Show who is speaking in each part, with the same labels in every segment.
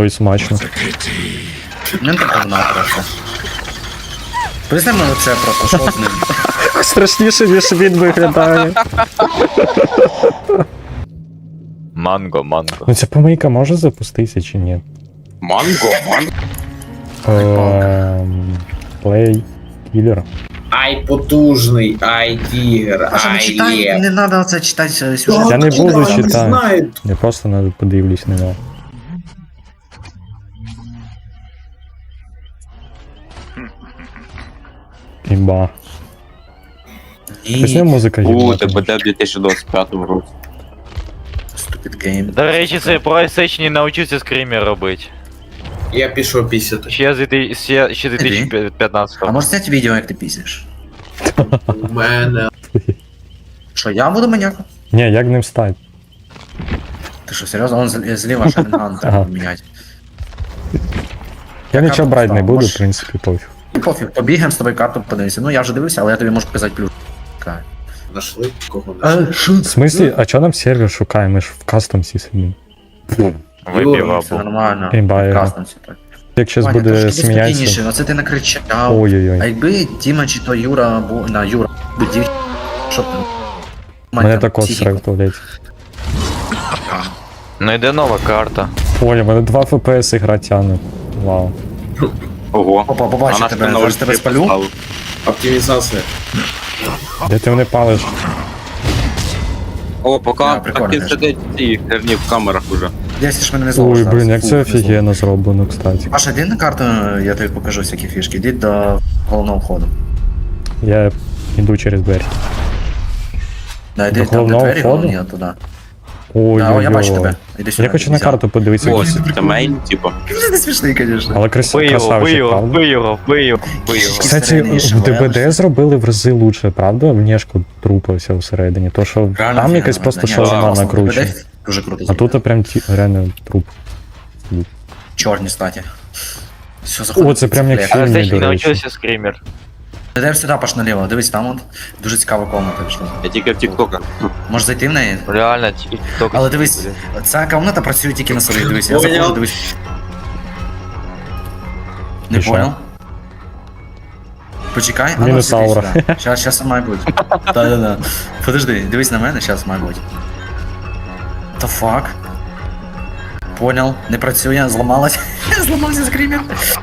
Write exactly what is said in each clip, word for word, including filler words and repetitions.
Speaker 1: Ой, смачно.
Speaker 2: Не так одна просто. Пояснимо оце просто, що з ним.
Speaker 1: Страшніше, ніж він виглядає.
Speaker 3: Манго, манго.
Speaker 1: Ну ця помийка може запуститися чи ні?
Speaker 4: Манго, манго.
Speaker 1: Ем, Play Killer.
Speaker 5: Ай потужний, ай тігр,
Speaker 2: А що не
Speaker 5: ай
Speaker 2: читай,
Speaker 5: є.
Speaker 2: не треба оце читати сюжет.
Speaker 1: Я не буду
Speaker 5: Не
Speaker 1: читати.
Speaker 5: знаю.
Speaker 1: Я просто не подивлюсь на нього. Імба. Пісня
Speaker 2: Ні,
Speaker 1: музика
Speaker 4: У,
Speaker 1: їбана.
Speaker 4: ТБД в дві тисячі двадцять п'ятому році.
Speaker 2: stupid game.
Speaker 3: До речі, цей PlayStation навчився скример робити.
Speaker 5: Я пішов пісяти.
Speaker 3: Ще з дві тисячі ще- ще дві тисячі
Speaker 2: А
Speaker 3: п'ятнадцятого.
Speaker 2: може зняти відео, як ти пісиш?
Speaker 5: У мене.
Speaker 2: Що, я буду маньяком?
Speaker 1: Ні, як ним стати?
Speaker 2: Ти що, серйозно? Он з- зліва Шаринган треба
Speaker 1: Ага.
Speaker 2: поміняти.
Speaker 1: Я нічого брати не буду, в
Speaker 2: Може-
Speaker 1: принципі, пофіг.
Speaker 2: І пофіг, побігаємо з тобою карту подивимося. Ну я вже дивився, але я тобі можу показати плюс.
Speaker 5: Нашли кого нашли.
Speaker 2: А, що
Speaker 1: В смислі, а чого нам сервер шукає? Ми ж в кастомсі сидимо.
Speaker 3: Випів
Speaker 2: Все
Speaker 3: або.
Speaker 2: нормально.
Speaker 1: Імба, я-
Speaker 2: Прекрасно все так.
Speaker 1: Як щас
Speaker 2: Ваня,
Speaker 1: буде
Speaker 2: трошки
Speaker 1: сміятися.
Speaker 2: спокійніше, оце ти накричав. А
Speaker 1: Ой-ой-ой.
Speaker 2: якби Тіма чи то Юра був на Юра, би дів... Що ти?
Speaker 1: Мене також срав в туалеті.
Speaker 3: Ну йде нова карта.
Speaker 1: Поля, мене два еф пі ес ігра тягне. Вау.
Speaker 4: Ого.
Speaker 2: Опа, побачу
Speaker 4: А наш
Speaker 2: тебе,
Speaker 4: канал
Speaker 2: зараз тебе
Speaker 4: вже
Speaker 2: спалю.
Speaker 4: поставив.
Speaker 5: Оптимізація.
Speaker 1: Де ти мене палиш?
Speaker 4: О, поки
Speaker 2: Да, прикольно,
Speaker 4: таки
Speaker 2: конечно.
Speaker 4: сидять ці херні в камерах уже.
Speaker 2: Десь ж мене не зловиш
Speaker 1: Ой,
Speaker 2: зараз.
Speaker 1: блін, як
Speaker 2: Фу,
Speaker 1: це
Speaker 2: не зловиш.
Speaker 1: офігенно зроблено, кстати.
Speaker 2: Паша, йди на карту, я тобі покажу всякі фішки. Йди до головного входу.
Speaker 1: Я йду через двері.
Speaker 2: Да, йди
Speaker 1: До
Speaker 2: там, де
Speaker 1: головного
Speaker 2: двері,
Speaker 1: входу?
Speaker 2: головні, туди.
Speaker 1: Ой,
Speaker 2: Да, о, я бачу
Speaker 1: ой,
Speaker 2: тебе. Іди сюди.
Speaker 1: Я хочу на
Speaker 2: взяв.
Speaker 1: карту подивитися.
Speaker 4: Ось, це мейн, типу.
Speaker 2: Це не смішний, звісно.
Speaker 1: Але крас...
Speaker 3: Бий його, бий
Speaker 1: красавчик,
Speaker 3: його,
Speaker 1: правда?
Speaker 3: бий його, бий його, бий його.
Speaker 1: Кстати,
Speaker 2: Всередині ще
Speaker 1: в ДБД
Speaker 2: боялися.
Speaker 1: зробили в рази лучше, правда? Внешку трупа вся всередині. То, що
Speaker 2: Реально
Speaker 1: там якась
Speaker 2: офігенно,
Speaker 1: просто
Speaker 2: да, ні,
Speaker 1: шаурма
Speaker 2: класно.
Speaker 1: накручена.
Speaker 2: ДБД Дуже круто.
Speaker 1: А
Speaker 2: зроблено.
Speaker 1: тут прям ті... реально труп.
Speaker 2: Чорні статі. Все, заходимо.
Speaker 1: О, це прям як
Speaker 3: Але
Speaker 1: фільм,
Speaker 3: все ще
Speaker 1: до
Speaker 3: не
Speaker 1: речі.
Speaker 3: навчився скример.
Speaker 2: Йдемо сюди, Паш, наліво. Дивись, там от дуже цікава комната пішла.
Speaker 4: Я тільки в тіктоках.
Speaker 2: Можеш зайти в неї?
Speaker 3: Реально, тільки тільки.
Speaker 2: Але дивись, ця комната працює тільки на собі. Дивись, я
Speaker 5: Понял.
Speaker 2: заходжу, дивись. Не
Speaker 1: І що?
Speaker 2: понял? Почекай, а ну
Speaker 1: Мінус
Speaker 2: сиди
Speaker 1: аура.
Speaker 2: сюди. Щас, щас має бути. Да-да-да. Подожди, дивись на мене, щас має бути. The fuck? Понял, не працює, зламалась. Зламався скрімер.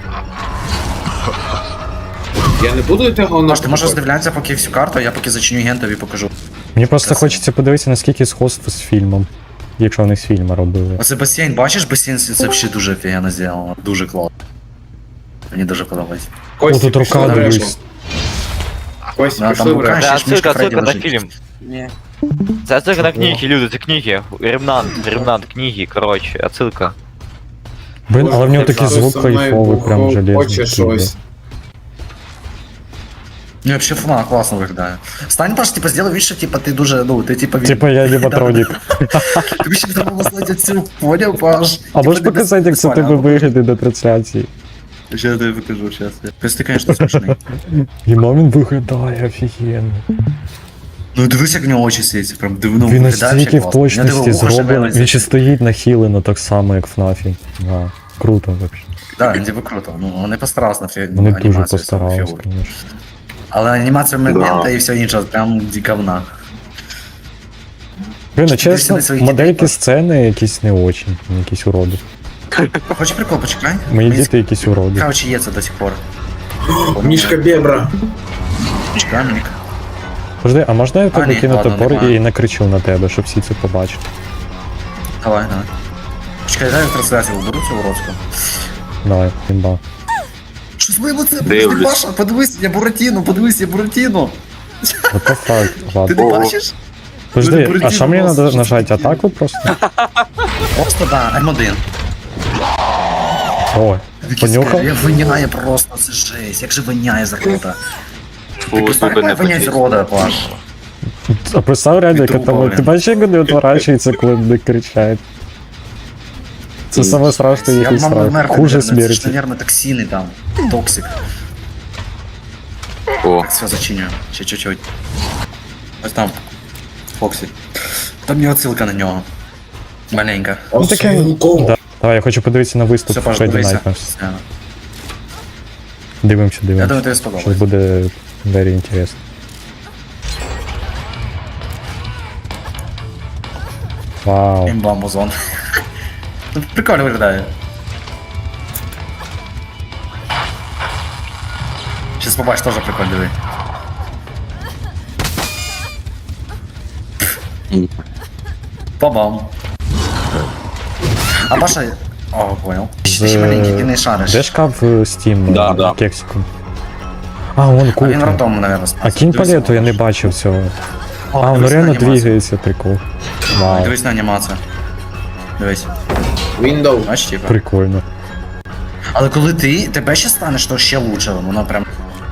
Speaker 5: Я не буду йти головного.
Speaker 2: Маш, ти можеш роздивлятися поки всю карту, а я поки зачиню гентові покажу.
Speaker 1: Мені просто
Speaker 2: Красиво.
Speaker 1: хочеться подивитися, наскільки сходство з фільмом. Якщо вони з фільму робили.
Speaker 2: Оце басейн, бачиш, басейн це взагалі дуже офігенно зроблено. Дуже класно. Мені дуже подобається.
Speaker 1: О,
Speaker 5: Кості,
Speaker 1: тут рука,
Speaker 5: пішли в решту.
Speaker 1: дивись.
Speaker 5: Кості,
Speaker 2: Да,
Speaker 5: пішли
Speaker 2: там
Speaker 5: в
Speaker 2: рука.
Speaker 5: решту.
Speaker 3: Це
Speaker 2: ще ж мішка
Speaker 3: отсилка,
Speaker 2: Фредді
Speaker 3: отсилка на
Speaker 2: лежить.
Speaker 3: фільм. Це отсилка на книги, люди, це книги. Ремнант, ремнант, книги, коротше, отсилка.
Speaker 1: Блин, але в нього
Speaker 5: Боже,
Speaker 1: такий
Speaker 5: хтось
Speaker 1: звук
Speaker 5: со мною
Speaker 1: кайфовий, прям
Speaker 5: хо-
Speaker 1: железний.
Speaker 5: Хоче щось.
Speaker 2: Ну, вообще фона класно виглядає. Стань, Паш, типа, сделай вид, що типа ти дуже, ну, ти типа він.
Speaker 1: Типа я ліботронік.
Speaker 2: Тобі ще треба було знати цю, поняв, Паш?
Speaker 1: А можеш показати, як це в тебе виглядає на трансляції?
Speaker 2: Ще я тобі покажу, щас. Тобто ти, конечно, смішний.
Speaker 1: Гімо він виглядає офігенно.
Speaker 2: Ну, дивись, як в нього очі світять, прям дивно
Speaker 1: Він
Speaker 2: виглядає.
Speaker 1: настільки
Speaker 2: вообще
Speaker 1: в
Speaker 2: класно. Я
Speaker 1: точності
Speaker 2: дивив, вуха
Speaker 1: зроблений.
Speaker 2: шевелиться.
Speaker 1: Він ще стоїть нахилено так само, як в ФНАФі. Да. Круто взагалі.
Speaker 2: Да, він типу круто. Ну, вони постарались на фі...
Speaker 1: Вони дуже
Speaker 2: анімацію цього
Speaker 1: постарались,
Speaker 2: фігуру.
Speaker 1: звісно.
Speaker 2: Але анімація момента
Speaker 4: Да.
Speaker 2: і все інше, прям говна.
Speaker 1: Блін,
Speaker 2: Ти
Speaker 1: а чесно,
Speaker 2: сюди своїх
Speaker 1: модельки
Speaker 2: дітей
Speaker 1: сцени якісь не очень, якісь уроди.
Speaker 2: Хочеш прикол, почекай?
Speaker 1: Мої
Speaker 2: Мені
Speaker 1: діти якісь уроди.
Speaker 2: цікаво, чи є це до сих пор.
Speaker 5: Мішка Бебра.
Speaker 2: Почекай, Мік.
Speaker 1: Подожди, а можна я
Speaker 2: А,
Speaker 1: тебе
Speaker 2: ні,
Speaker 1: кину
Speaker 2: ладно,
Speaker 1: топор
Speaker 2: немає.
Speaker 1: і накричу на тебе, щоб всі це побачили?
Speaker 2: Давай, давай. Почекай, дай я трансляцію уберу цю уродську.
Speaker 1: Давай, імба.
Speaker 2: Що з моєму це?
Speaker 4: Дивлюсь.
Speaker 2: Паша, подивись, я Буратіно, подивись, я Буратіно.
Speaker 1: What the fuck,
Speaker 2: Ти
Speaker 1: ладно.
Speaker 2: не
Speaker 4: Ого.
Speaker 2: бачиш?
Speaker 1: Подожди, а
Speaker 2: Буратіно
Speaker 1: що мені
Speaker 2: просто,
Speaker 1: треба
Speaker 2: що
Speaker 1: нажати?
Speaker 2: це таке?
Speaker 1: Атаку просто?
Speaker 2: Просто, да, М один.
Speaker 1: О, понюхав?
Speaker 2: Я виняє просто, це жесть, як же виняє з рота.
Speaker 4: Фу,
Speaker 2: Ти представляєш,
Speaker 4: тебе не
Speaker 2: як виняє з
Speaker 4: почув.
Speaker 2: рота, Паш.
Speaker 1: А представ реально, яка
Speaker 2: Трупа,
Speaker 1: там...
Speaker 2: блін.
Speaker 1: Ти бачиш, як вони відворачуються, коли вони кричать? Це саме страшне,
Speaker 2: Я
Speaker 1: який
Speaker 2: б мав
Speaker 1: страх.
Speaker 2: вмерти,
Speaker 1: Хуже
Speaker 2: наверное, це ж,
Speaker 1: смерті.
Speaker 2: наверное, токсини там, токсик.
Speaker 4: О,
Speaker 2: Так, все, зачиню, ще чуть-чуть. Ось там, Фоксі. Там є отсилка на нього. Маленька.
Speaker 1: Ну таке,
Speaker 5: Осилко.
Speaker 1: да. Давай, я хочу подивитися на виступ
Speaker 2: Все, Паш,
Speaker 1: Фредді
Speaker 2: дивися.
Speaker 1: Найтмерс.
Speaker 2: Все.
Speaker 1: Дивимося,
Speaker 2: Я
Speaker 1: дивимося.
Speaker 2: думаю, тобі
Speaker 1: Щось
Speaker 2: сподобається.
Speaker 1: буде very інтересно. Вау.
Speaker 2: Імба музон. Ну, прикольно виглядає. Щас побачиш, теж прикольно, диви.
Speaker 4: М.
Speaker 2: Побам. А Паша... О, понял. Ти ще маленький, ти не шариш.
Speaker 1: Де шкаф е, Steam
Speaker 4: Да,
Speaker 1: е,
Speaker 4: да.
Speaker 1: кексиком? А, вон
Speaker 2: А він
Speaker 1: кухня.
Speaker 2: ротом, наверное,
Speaker 1: А кінь палету я не бачив цього. А, воно реально двигається, прикол. Вау,
Speaker 2: Дивись на анімацію. Дивись.
Speaker 5: Window.
Speaker 2: Бачиш, типа.
Speaker 1: прикольно.
Speaker 2: Але коли ти, тебе ще станеш, то ще лучше, воно прям...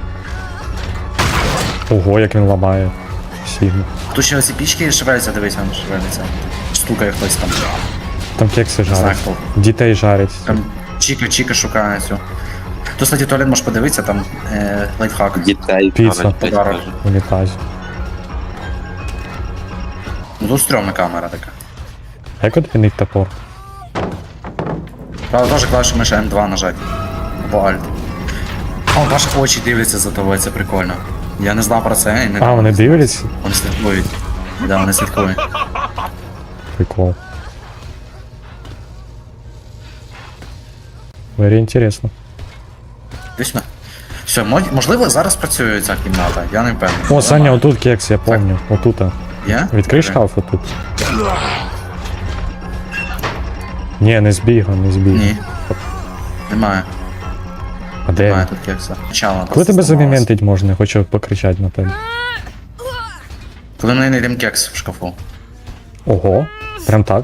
Speaker 1: Ого, як він ламає. Сильно.
Speaker 2: Тут ще оці пічки шевеляться, дивись, воно шевелиться. Стукає хтось там.
Speaker 1: Там кекси
Speaker 2: Не знаю
Speaker 1: жарять.
Speaker 2: хто.
Speaker 1: Дітей жарять.
Speaker 2: Там Чіка-Чіка шукає цю. Тут, кстати, туалет можеш подивитися, там е, лайфхак.
Speaker 4: Дітей.
Speaker 1: Піца.
Speaker 4: кажуть, десь
Speaker 2: Подарок.
Speaker 4: кажуть.
Speaker 1: Унітаз.
Speaker 2: Ну тут стрьомна камера така.
Speaker 1: А як відмінить топор?
Speaker 2: Правда, теж клавішу миша М два нажать. Або Alt. О, ваші очі дивляться за тобою, це прикольно. Я не знав про це і не...
Speaker 1: А, вони дивляться?
Speaker 2: Вони слідкують. Да, вони слідкують.
Speaker 1: Прикол. Very інтересно.
Speaker 2: Дійсно. Все, мож- можливо, зараз працює ця кімната, я не впевнений.
Speaker 1: О, Саня, отут кекс, я помню. Отут.
Speaker 2: Є?
Speaker 1: Відкрий шкаф отут. Ні, не збігав, не збігав.
Speaker 2: Ні. Немає.
Speaker 1: А де
Speaker 2: Немає
Speaker 1: він?
Speaker 2: тут кекса. Почало.
Speaker 1: Коли тебе заміментить можна, хочу покричати на тебе.
Speaker 2: Коли ми знайдемо кекс в шкафу.
Speaker 1: Ого, прям так.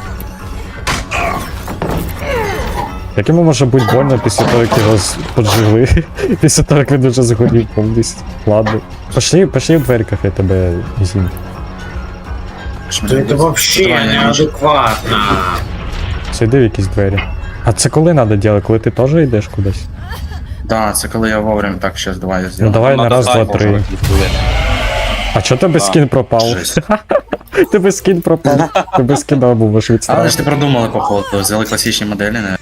Speaker 1: Як йому може бути больно після того, як його з- поджигли? Після того, як він уже згорів повністю. Ладно. Пошли, пошли в дверках, я тебе зім.
Speaker 5: Це вообще
Speaker 2: Давай, я
Speaker 5: неадекватно.
Speaker 1: Зайди в якісь двері. А це коли треба робити? Коли ти теж йдеш кудись?
Speaker 2: Да, це коли я вовремя так щас давай я
Speaker 1: Ну
Speaker 2: зроблю.
Speaker 1: давай на
Speaker 4: Надо
Speaker 1: раз, два,
Speaker 4: знати,
Speaker 1: три.
Speaker 4: може, відповідь.
Speaker 1: А чо тебе скін пропав?
Speaker 2: Жесть.
Speaker 1: Тебе скін пропав. Тебе скіна був, можеш
Speaker 2: Але
Speaker 1: відставити.
Speaker 2: ж ти продумали, походу, взяли класичні моделі, не?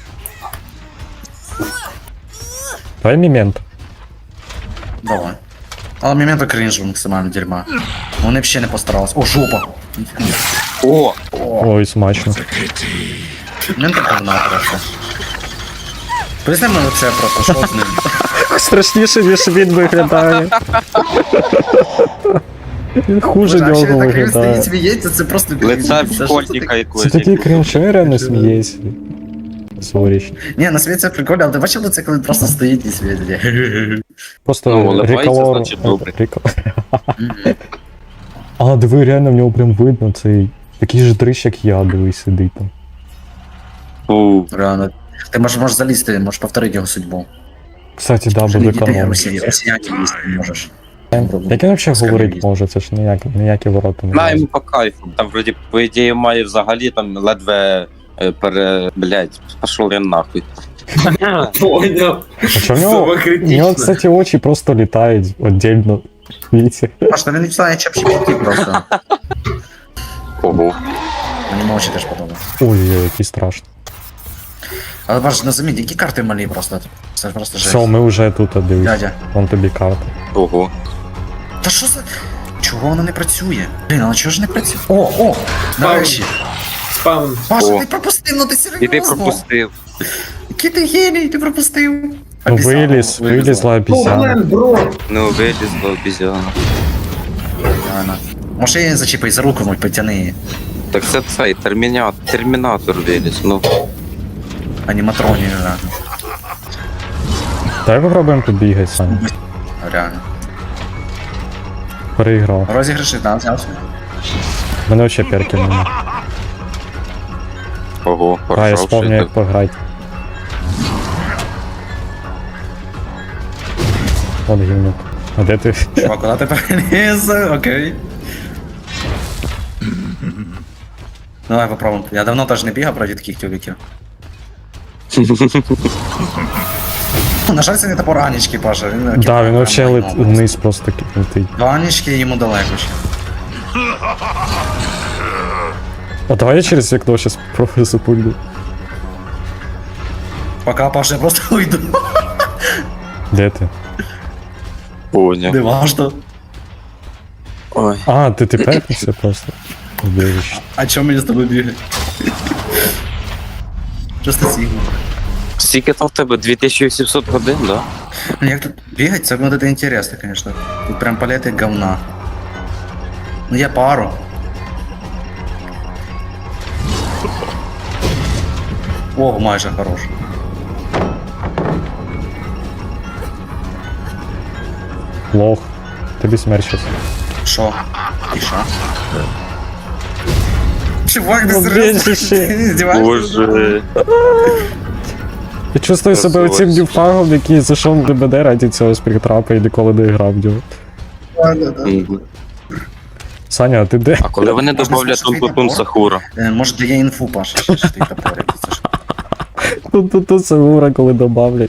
Speaker 1: Давай мімент.
Speaker 2: Давай. Але моменту крінжу максимально дерьма. Вони б ще не постарались. О, жопа!
Speaker 4: О,
Speaker 1: Ой, смачно.
Speaker 2: Момент говна просто. Поясни мені оце просто, що з ним?
Speaker 1: Страшніше, ніж він виглядає. Він хуже
Speaker 2: Боже, а ще
Speaker 1: нього
Speaker 2: так він стоїть,
Speaker 1: виглядає.
Speaker 2: сміється, це просто
Speaker 4: лице
Speaker 2: крінж. Це що
Speaker 4: школьника
Speaker 2: таке?
Speaker 4: якогось.
Speaker 1: Це такий крінж, що я реально смієшся. Зоріч.
Speaker 2: Ні, на світ це прикольно, але ти бачив це, коли він просто стоїть і світить?
Speaker 1: Просто
Speaker 4: Ну, улыбається,
Speaker 1: реколор...
Speaker 4: значить, добре.
Speaker 1: рекол- А, диви, реально в нього прям видно цей... Такий же дрищ, як я, дивись, сидить там.
Speaker 4: Фу.
Speaker 2: Реально. Ти можеш, можеш залізти, можеш повторити його судьбу.
Speaker 1: Кстати, да, буде
Speaker 2: Дітей
Speaker 1: канон.
Speaker 2: росіян, росіянки лізти не можеш.
Speaker 1: Як він взагалі
Speaker 2: Скажи,
Speaker 1: говорить
Speaker 2: їсть.
Speaker 1: може? Це ж ніякі, ніякі ворота не
Speaker 4: На
Speaker 1: мають.
Speaker 4: йому по кайфу. Там вроді, по ідеї, має взагалі там ледве е, пере... Блять, пошов я нахуй.
Speaker 5: Понял.
Speaker 1: А що в нього? У
Speaker 5: Самокритично.
Speaker 1: нього, кстати, очі просто літають віддільно. Видите?
Speaker 2: Аж та він не знає, чеп шипіти просто.
Speaker 4: Ого.
Speaker 2: Мені очі теж подобається.
Speaker 1: Ой-ой, який страшно.
Speaker 2: Але бачиш, не заміть, які карти малі просто. Це просто жесть.
Speaker 1: Все, ми вже тут, а дивись.
Speaker 2: Дядя.
Speaker 1: Вон тобі карта.
Speaker 4: Ого.
Speaker 2: Та що за... Чого воно не працює? Блін, але чого ж не працює? О, о, нарешті.
Speaker 5: Спам.
Speaker 2: Паша,
Speaker 4: О.
Speaker 2: ти пропустив, ну ти серйозно?
Speaker 4: І ти пропустив.
Speaker 2: Який ти геній, ти пропустив.
Speaker 1: Ну
Speaker 2: Обіцяв,
Speaker 1: виліз, вилізла
Speaker 5: О,
Speaker 1: обіцяна.
Speaker 5: блин, бро.
Speaker 4: Ну, вилізла обізяна.
Speaker 2: Реально. Може я її зачіпай за руку, мой, потяни її.
Speaker 4: Так це цей термінатор, термінатор виліз, ну.
Speaker 2: Аніматроні, реально.
Speaker 1: Давай попробуємо побігати, Саня.
Speaker 2: Реально.
Speaker 1: Переіграв.
Speaker 2: Розіграші, да, взявся.
Speaker 1: У мене взагалі перків немає.
Speaker 4: Ого,
Speaker 1: А, я
Speaker 4: хорошо.
Speaker 1: спомню, як пограти. От гімнюк. А де ти?
Speaker 2: Чувак, куди ти переліз? Окей. Давай попробуємо. Я давно теж не бігав проти таких тюбіків. На жаль, це не топор Анічки, Паша. Він,
Speaker 1: Да, він взагалі
Speaker 2: лет
Speaker 1: лет вниз просто летить.
Speaker 2: До Анічки йому далеко ще.
Speaker 1: О, давай я через вікно зараз спробую запульну.
Speaker 2: Пока, Паша, я просто уйду.
Speaker 1: Де ти?
Speaker 4: Поняв.
Speaker 2: Не важно.
Speaker 4: Ой.
Speaker 1: А, ти ти пепнувся просто. Убіжиш.
Speaker 2: А чому мені з тобою бігати? Просто сігма.
Speaker 4: Скільки там в тебе? дві тисячі вісімсот годин, да?
Speaker 2: Ну як тут бігать, це вот это интересно, конечно. Тут прям палети говна. Ну я пару. О, майже хорош.
Speaker 1: Лох. Тобі смерть щас.
Speaker 2: Шо? І шо? Чувак, ти
Speaker 1: Ну,
Speaker 2: серйозно?
Speaker 1: більше ще.
Speaker 2: Ти не здіваєшся?
Speaker 4: Боже.
Speaker 1: Я чувствую себе
Speaker 4: Красавець.
Speaker 1: оцим дюфагом, який зайшов в ДБД раді цього спіртрапа і ніколи не грав в нього.
Speaker 4: Мгм.
Speaker 1: Саня, а ти де?
Speaker 4: А коли вони
Speaker 2: Можна
Speaker 4: добавлять
Speaker 2: слухати
Speaker 4: Тунтутун
Speaker 2: топор?
Speaker 4: Сахура?
Speaker 2: Е, Може дає інфу, Паша, що ж ти топорик. Це ж.
Speaker 1: Тут тут тут Сагура, коли добавлять.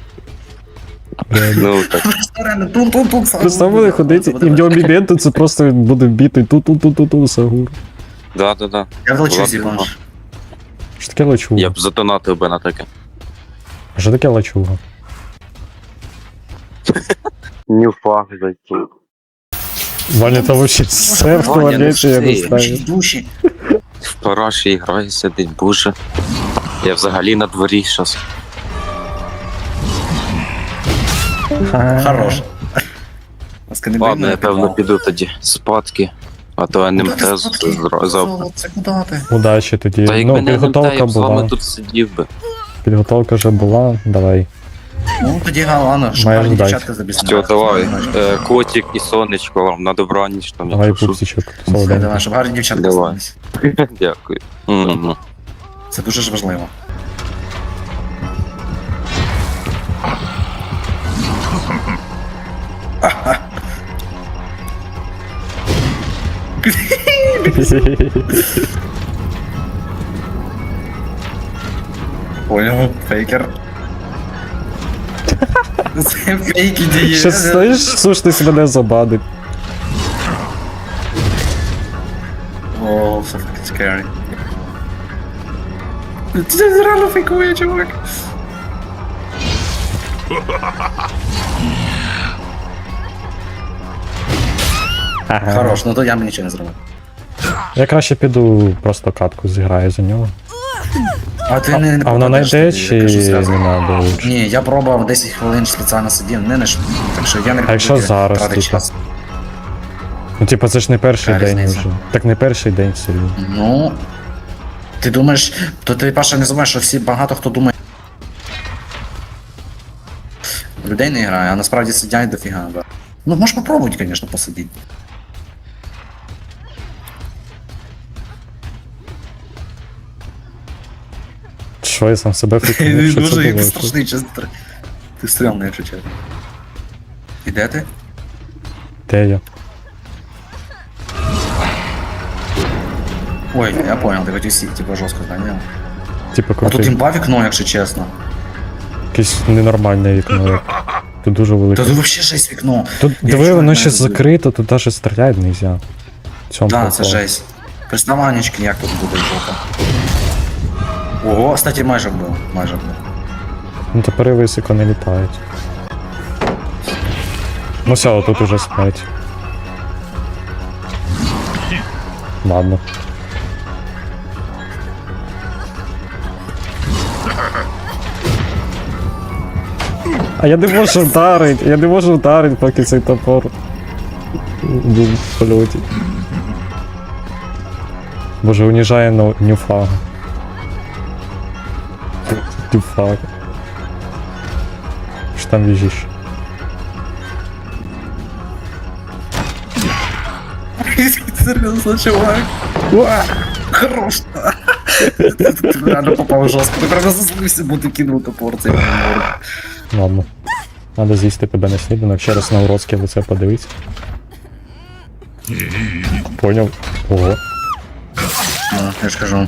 Speaker 4: Ну так.
Speaker 2: Реально, тун-тун-тун, сам.
Speaker 1: Представ буде ходити, і в нього міменти це просто він буде бити ту-ту-ту-ту-ту Сагур.
Speaker 4: Да, да, да.
Speaker 2: Я влечу
Speaker 4: Ладно,
Speaker 2: зібаш.
Speaker 1: Що таке лачуга?
Speaker 4: Я б задонатив би на таке.
Speaker 1: А що таке лачуга?
Speaker 4: Нюфах зайти.
Speaker 1: Ваня там вообще все в
Speaker 4: Ваня, ну
Speaker 1: туалеті, я не
Speaker 4: все.
Speaker 1: знаю.
Speaker 2: Душі.
Speaker 4: В параші грає, сидить, боже. Я взагалі на дворі щас.
Speaker 2: Хорош. Ласка, не бий
Speaker 4: Ладно,
Speaker 2: мене
Speaker 4: я певно
Speaker 2: підвал.
Speaker 4: піду тоді спадки. А то ен ем
Speaker 2: Куди ти
Speaker 4: те
Speaker 2: спадки?
Speaker 4: завтра.
Speaker 2: Це куди ти?
Speaker 1: Удачі тоді.
Speaker 4: Та як
Speaker 1: Ну,
Speaker 4: мене ен ем те,
Speaker 1: підготовка
Speaker 4: я б з вами
Speaker 1: була.
Speaker 4: тут сидів би.
Speaker 1: Підготовка вже була, давай.
Speaker 2: Ну тоді ладно, що
Speaker 1: Маєш
Speaker 2: гарні
Speaker 1: дати.
Speaker 2: дівчатка забісняють.
Speaker 4: Все, давай. Е, Котик і сонечко вам на добраніч там.
Speaker 1: Давай
Speaker 4: якщо що.
Speaker 1: пупсичок.
Speaker 2: Давай,
Speaker 1: Солоденький.
Speaker 2: давай, щоб гарні дівчатка
Speaker 4: Давай.
Speaker 2: залишились.
Speaker 4: Дякую. Мгм.
Speaker 2: Це дуже ж важливо. Понял, фейкер. Це фейки діє.
Speaker 1: Ще знаєш, слушатись мене забадить.
Speaker 2: О, so fucking scary. Це реально фейкує, чувак.
Speaker 1: Ага.
Speaker 2: Хорош, ну то я мені нічого не зробив.
Speaker 1: Я краще піду просто катку зіграю за нього.
Speaker 2: А ти не, не
Speaker 1: А вона
Speaker 2: попадеш
Speaker 1: найде
Speaker 2: тоді,
Speaker 1: чи
Speaker 2: я кажу
Speaker 1: не
Speaker 2: зразу.
Speaker 1: надо лучше?
Speaker 2: Ні, я пробував десять хвилин спеціально сидів, не наш, так що я не
Speaker 1: А якщо
Speaker 2: рекомендую
Speaker 1: зараз,
Speaker 2: тратити
Speaker 1: типу?
Speaker 2: час.
Speaker 1: Ну типа це ж не перший
Speaker 2: Яка
Speaker 1: день
Speaker 2: різниця?
Speaker 1: вже. Так не перший день серйозно.
Speaker 2: Ну, ти думаєш, то ти, Паша, не думаєш, що всі багато хто думає. Людей не грає, а насправді сидять дофіга, да. Ну, можеш попробувати, звісно, посидіти.
Speaker 1: Що я сам себе
Speaker 2: Ти
Speaker 1: фікнув, що це
Speaker 2: дуже
Speaker 1: було?
Speaker 2: страшний, чесно. Ти стрімний, якщо чесно. І де ти?
Speaker 1: Де я?
Speaker 2: Ой, я понял, ти хотів сіти, типу жорстко зайняв.
Speaker 1: Типа
Speaker 2: А тут
Speaker 1: крутий.
Speaker 2: імба вікно, якщо чесно.
Speaker 1: Якесь ненормальне вікно. Тут дуже велике.
Speaker 2: Та тут взагалі жесть вікно.
Speaker 1: Тут
Speaker 2: Я
Speaker 1: диви,
Speaker 2: вчора
Speaker 1: воно
Speaker 2: не
Speaker 1: ще
Speaker 2: знаю.
Speaker 1: закрито, тут навіть стріляти не можна. В цьому
Speaker 2: Да, це
Speaker 1: прикол.
Speaker 2: жесть. Приставанечки, як тут буде жопа. Ого, кстати, майже вбив, майже вбив.
Speaker 1: Ну тепер високо не літають. Ну все, тут уже смерть. Ладно. А я не можу вдарити, я не можу вдарити, поки цей топор був в польоті. Боже, уніжає но- нюфага. Нюфага. Що там біжиш?
Speaker 2: Серйозно, чувак. Уа! Хорош. Ти реально попав жорстко. Ти прямо заслужився, бо ти кинув топор цей морд.
Speaker 1: Ладно. Надо з'їсти тебе на сніданок, ще раз на уродське лице подивись. Поняв. Ого.
Speaker 2: Ну, я ж кажу.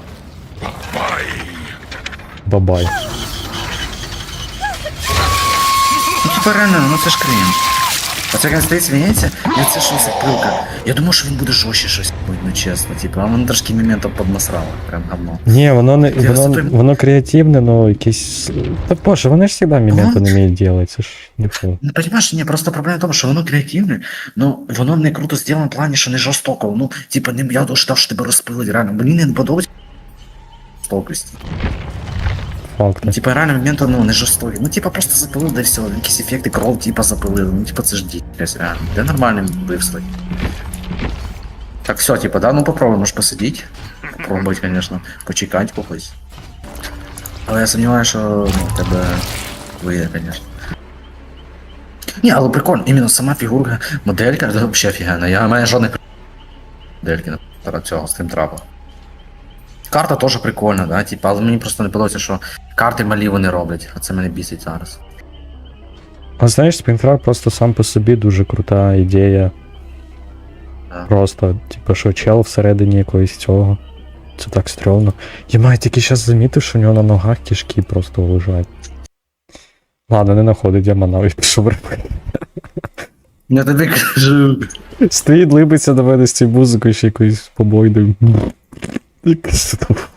Speaker 1: Бабай.
Speaker 2: Ну, типа реально, ну це ж крінж. Оце як він стоїть, сміється, і це щось як пилка. Я думав, що він буде жорстче щось, ну чесно, типу, а воно трошки моментом поднасрало, прям говно.
Speaker 1: Ні, воно не
Speaker 2: Я
Speaker 1: воно,
Speaker 2: зато-
Speaker 1: воно креативне, но якесь. Та боже, вони ж завжди моменти не вміють робити, це ж не фу.
Speaker 2: Ну, понимаешь, ні, просто проблема в тому, що воно креативне, но воно не круто зроблено в плані, що не жорстоко. Ну, типа, не, я ждав, що тебе розпилить, реально. Мені не подобається жорстокості.
Speaker 1: Факт.
Speaker 2: Ну, типа, реально момент, ну, не жорстокий. Ну, типа, просто запилив, да і все. Якісь ефекти, кров, типа, запилили. Ну, типа, це ж діть, реально. Де нормальне вбивство. Так, все, типа, да, ну попробуй, можеш посидіти. Попробувати, конечно, почекати когось. Але я сумніваюся, що ну, в тебе вийде, конечно. Ні, але прикольно, іменно сама фігурка, моделька, це взагалі офігенна. Я маю жодних модельки на цього стрімтрапа. Карта теж прикольна, да, типа, але мені просто не подобається, що карти малі вони роблять, а це мене бісить зараз.
Speaker 1: А знаєш, Спрінтрак просто сам по собі дуже крута ідея.
Speaker 2: Да.
Speaker 1: Просто, типу, що чел всередині якогось цього. Це так стрьомно. Я маю тільки зараз замітив, що у нього на ногах кишки просто лежать. Ладно, не находить, я манав і пішов робити.
Speaker 2: Я тобі кажу.
Speaker 1: Стоїть, либиться до мене з цією музикою, ще якоюсь побойною. Якось тут.